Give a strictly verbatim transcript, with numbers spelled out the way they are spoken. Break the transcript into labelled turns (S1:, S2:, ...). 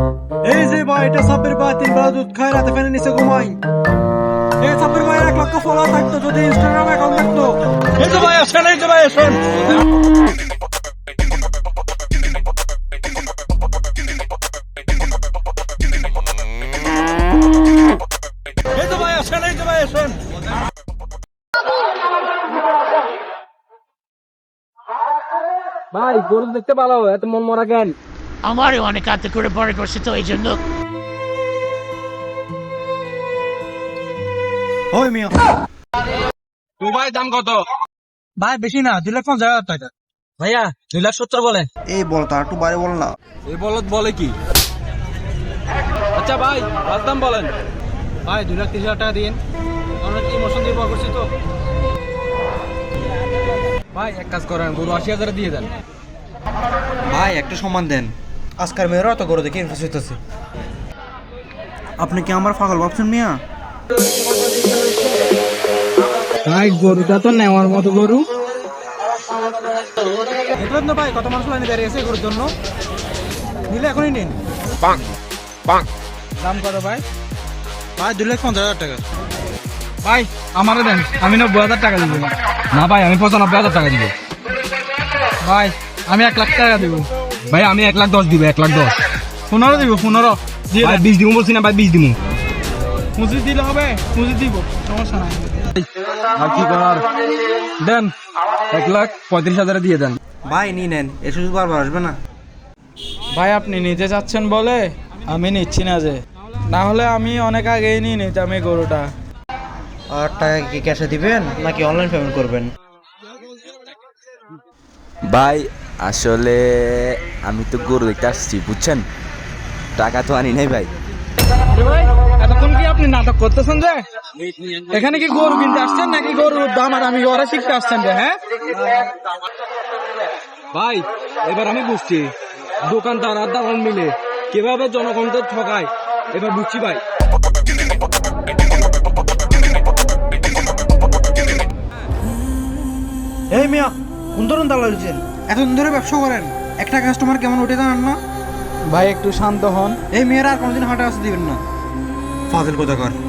S1: এই যে ভাই, এটা সাব্বির ভাই তিন বেলা দুধ খায়, রাতে ফ্যানের নিচে ঘুমাই। এই সাব্বির ভাই এক লক্ষ ফলোয়ার থাকতো যদি ইনস্টাগ্রাম অ্যাকাউন্ট থাকতো। এই যে ভাই আসেন, এই যে ভাই আসেন। এই যে ভাই আসেন, এই যে ভাই আসেন। ভাই গরু দেখতে ভালো, এত মন মরা কেন?
S2: আমারও অনেক হাতে করে পরে করছে তো এই জন্য।
S1: ওই মিয়া
S3: তো ভাই দাম কত?
S1: ভাই বেশি না, দুই লাখ পঞ্চাশ হাজার টাকা। ভাইয়া দুই লাখ সত্তর বলেন।
S4: এই বল তার একটু বাইরে বল না।
S3: এই বলদ বলে কি? আচ্ছা ভাই লাস্ট দাম বলেন।
S1: ভাই দুই লাখ তিরিশ হাজার টাকা দিন, আমরা ইমোশন দিয়ে পড়া করছি তো।
S3: ভাই এক কাজ করেন, গরু আশি হাজার দিয়ে দেন।
S4: ভাই একটা সম্মান দেন, আজকাল মেয়েরা তো করে দেখে ইনফেস হইতেছে। আপনি কি আমার পাগল ভাবছেন মিয়া?
S1: ভাই গরুটা তো নেওয়ার মতো গরু। দেখলেন তো ভাই কত মানুষ লাইনে দাঁড়িয়ে আছে গরুর জন্য, নিলে এখনই নিন। দাম কত ভাই? ভাই দুই লাখ পঞ্চাশ হাজার টাকা।
S3: ভাই আমারও দেন, আমি নব্বই হাজার টাকা দিব। না ভাই আমি পঁচানব্বই হাজার টাকা দিব।
S1: ভাই আমি এক লাখ টাকা দেবো।
S3: ভাই আমি এক লাখ দশ দিব, এক লাখ দশ।
S1: পনেরো দিব, পনেরো দিয়ে
S3: ভাই বিশ দিব বলছি না ভাই, বিশ দিব।
S1: পুঁজি দিলে হবে, পুঁজি দিব, সমস্যা নাই।
S3: আর কি করার, দেন এক লাখ পঁয়ত্রিশ হাজারে দিয়ে দেন।
S4: ভাই নিয়ে নেন, এসে শুধু বারবার আসবে না।
S1: ভাই আপনি নিতে যাচ্ছেন বলে আমি নিচ্ছি না, যে না হলে আমি অনেক আগেই নিয়ে নিতাম এই গরুটা।
S4: আর টাকা কি ক্যাশে দিবেন নাকি অনলাইন পেমেন্ট করবেন?
S5: ভাই আসলে আমি তো গরু দেখতে আসছি বুঝছেন, টাকা তো আনি নাই ভাই।
S1: ভাই এতক্ষণ কি আপনি নাটক করতেছেন যে এখানে কি গরু কিনতে আসছেন নাকি গরুর দাম আর আমি ওরা শিখতে আসছেন যে? হ্যাঁ
S3: ভাই এবার আমি বুঝছি দোকানদার আর দালাল মিলে কিভাবে জনগণদের ঠকায়, এবার বুঝছি ভাই।
S4: এই মিয়া কোন ধরুন দালাল হয়েছেন? এতদিন ধরে ব্যবসা করেন, একটা কাস্টমার কেমন উঠে জানান না?
S1: ভাই একটু শান্ত হন।
S4: এই মেয়েরা আর কোনোদিন হাটে আসতে দিবেন না। ফাজিল কোথাকার।